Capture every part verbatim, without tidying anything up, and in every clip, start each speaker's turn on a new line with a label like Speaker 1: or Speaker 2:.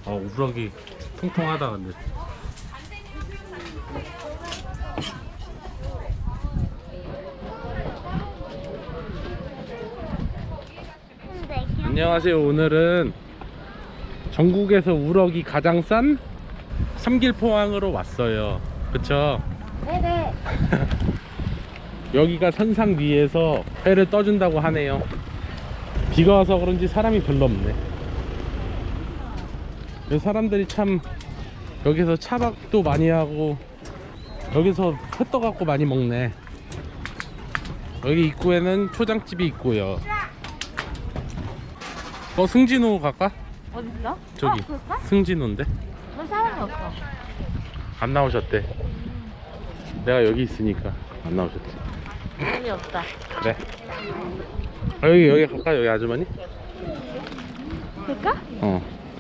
Speaker 1: 어, 우럭이 통통하다 근데. 안녕하세요. 오늘은 전국에서 우럭이 가장 싼 삼길포항으로 왔어요. 그쵸?
Speaker 2: 네네.
Speaker 1: 여기가 선상 위에서 회를 떠준다고 하네요. 비가 와서 그런지 사람이 별로 없네. 여기 사람들이 참 여기서 차박도 많이 하고 여기서 회 떠갖고 많이 먹네. 여기 입구에는 초장집이 있고요. 어, 승진호 갈까?
Speaker 2: 어딨어?
Speaker 1: 저기
Speaker 2: 어, 그럴까?
Speaker 1: 승진호인데
Speaker 2: 왜 사람이 없어?
Speaker 1: 안 나오셨대. 내가 여기 있으니까 안 나오셨대.
Speaker 2: 재미없다.
Speaker 1: 그래. 아, 여기 여기 갈까? 여기 아주머니?
Speaker 2: 그럴까?
Speaker 1: 어.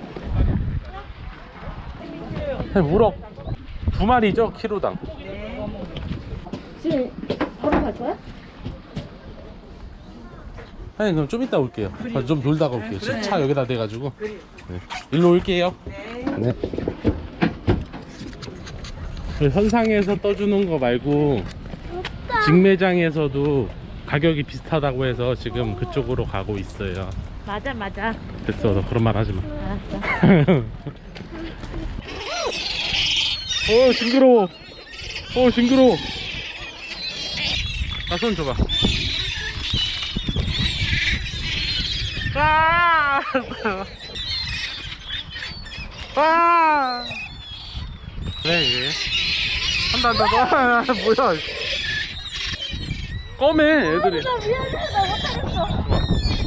Speaker 1: 우럭 두 마리죠? 키로당.
Speaker 2: 지금 바로 갈 거야?
Speaker 1: 아니 그럼 좀 이따 올게요. 아, 좀 놀다가 올게요. 지금 차 여기다 대가지고. 네. 일로 올게요. 네. 그 선상에서 떠주는 거 말고 직매장에서도 가격이 비슷하다고 해서 지금 그쪽으로 가고 있어요.
Speaker 2: 맞아 맞아.
Speaker 1: 됐어, 너 그런 말 하지 마.
Speaker 2: 알았어.
Speaker 1: 어, 징그러워. 어, 징그러워. 나 손 줘봐. 아! 아! 그래, 이게. 한다, 한다, 너. 뭐야. 꺼매, 애들이.
Speaker 2: 나 미안해. 나 못하겠어.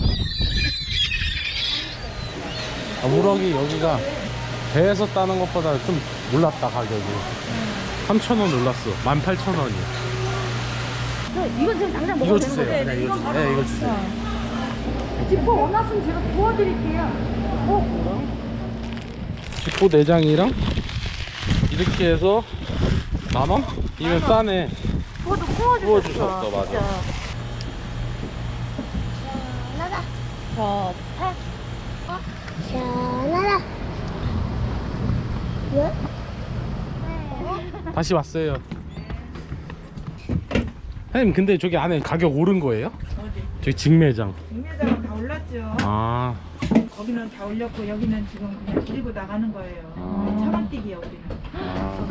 Speaker 1: 아, 우럭이 여기가 배에서 따는 것보다 좀 올랐다, 가격이. 삼천 원 올랐어. 만 팔천 원이야.
Speaker 2: 이건 지금 당장
Speaker 1: 이거
Speaker 2: 먹어도 되는
Speaker 1: 주세요.
Speaker 2: 거지?
Speaker 1: 그냥 이거 주세요. 네, 이거 주세요.
Speaker 2: 지퍼 원하시면 제가 구워드릴게요. 어?
Speaker 1: 지포 내장이랑 이렇게 해서 만 원? 이면 싸네.
Speaker 2: 그것도 구워주셨어.
Speaker 1: 구워주셨어, 맞아.
Speaker 2: 진짜. 시원하다. 좋다. 시원하다. 왜?
Speaker 1: 다시 왔어요. 선생님, 근데 저기 안에 가격 오른 거예요?
Speaker 3: 어디?
Speaker 1: 저기 직매장.
Speaker 3: 직매장은 다 올랐죠.
Speaker 1: 아,
Speaker 3: 거기는 다 올렸고 여기는 지금 그냥 데리고 나가는 거예요.
Speaker 1: 아.
Speaker 3: 차만뛰기야 우리는.
Speaker 1: 아.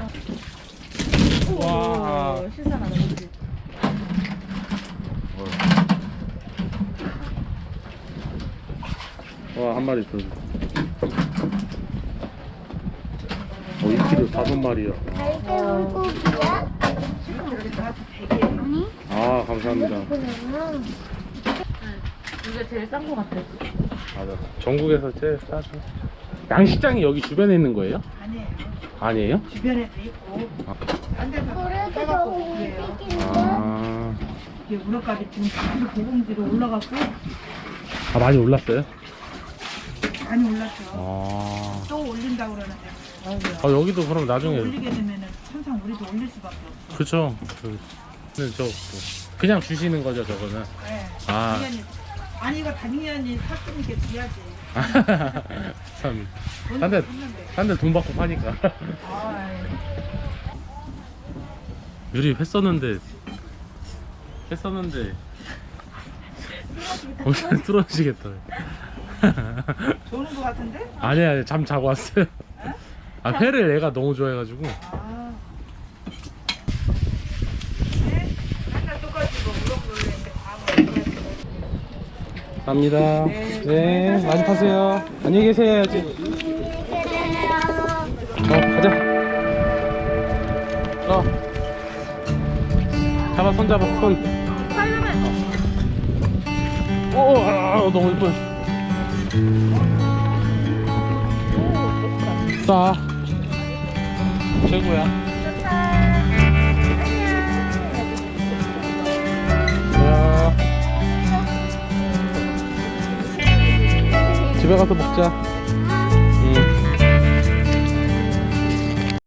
Speaker 2: 오,
Speaker 1: 와.
Speaker 2: 신선하다. 그치?
Speaker 1: 와, 한 마리 더. 어, 이 킬로 다섯 마리야.
Speaker 2: 달걀 물고기야?
Speaker 3: 지금 이렇게 나한테 대기예요.
Speaker 2: 아니?
Speaker 1: 아, 감사합니다.
Speaker 2: 이게 제일 싼 거 같아.
Speaker 1: 맞아. 전국에서 제일 싸죠. 양식장이 여기 주변에 있는 거예요?
Speaker 3: 아니에요.
Speaker 1: 아니에요?
Speaker 3: 주변에도 있고
Speaker 1: 아.
Speaker 3: 딴 데서 빼갖고 그래요.
Speaker 1: 아,
Speaker 3: 이게 우럭값이 지금 다시 고공지로 올라갔고
Speaker 1: 아 많이 올랐어요?
Speaker 3: 많이 올랐죠.
Speaker 1: 아,
Speaker 3: 또 올린다고 그러는데
Speaker 1: 아 여기도 그럼
Speaker 3: 또
Speaker 1: 나중에.
Speaker 3: 올리게 되면은 항상 우리도 올릴 수밖에 없어.
Speaker 1: 그쵸. 저기. 근데 저 뭐, 그냥 주시는 거죠, 저거는?
Speaker 3: 네.
Speaker 1: 아.
Speaker 3: 당연히. 아니 이거 당연히 샀으니까 줘야지.
Speaker 1: 참.
Speaker 3: 돈을
Speaker 1: 딴 데,
Speaker 3: 샀는데.
Speaker 1: 딴 데 돈 받고 파니까.
Speaker 3: 아이.
Speaker 1: 유리 회 썼는데, 회 썼는데, 오늘 뚫어지겠다.
Speaker 3: 좋은 거 같은데?
Speaker 1: 아니야, 아니, 잠 자고 왔어요. 아, 회를 애가 너무 좋아해가지고.
Speaker 3: 아. 네? 맨날 똑같이 뭐 물어보는데 다
Speaker 1: 갑니다. 네, 많이 파세요. 안녕히 계세요, 해야지. 어, 가자. 어. 잡아, 손 잡아, 손. 오, 아, 너무 예뻐. 싸. 최고야. 야. 집에 가서 먹자.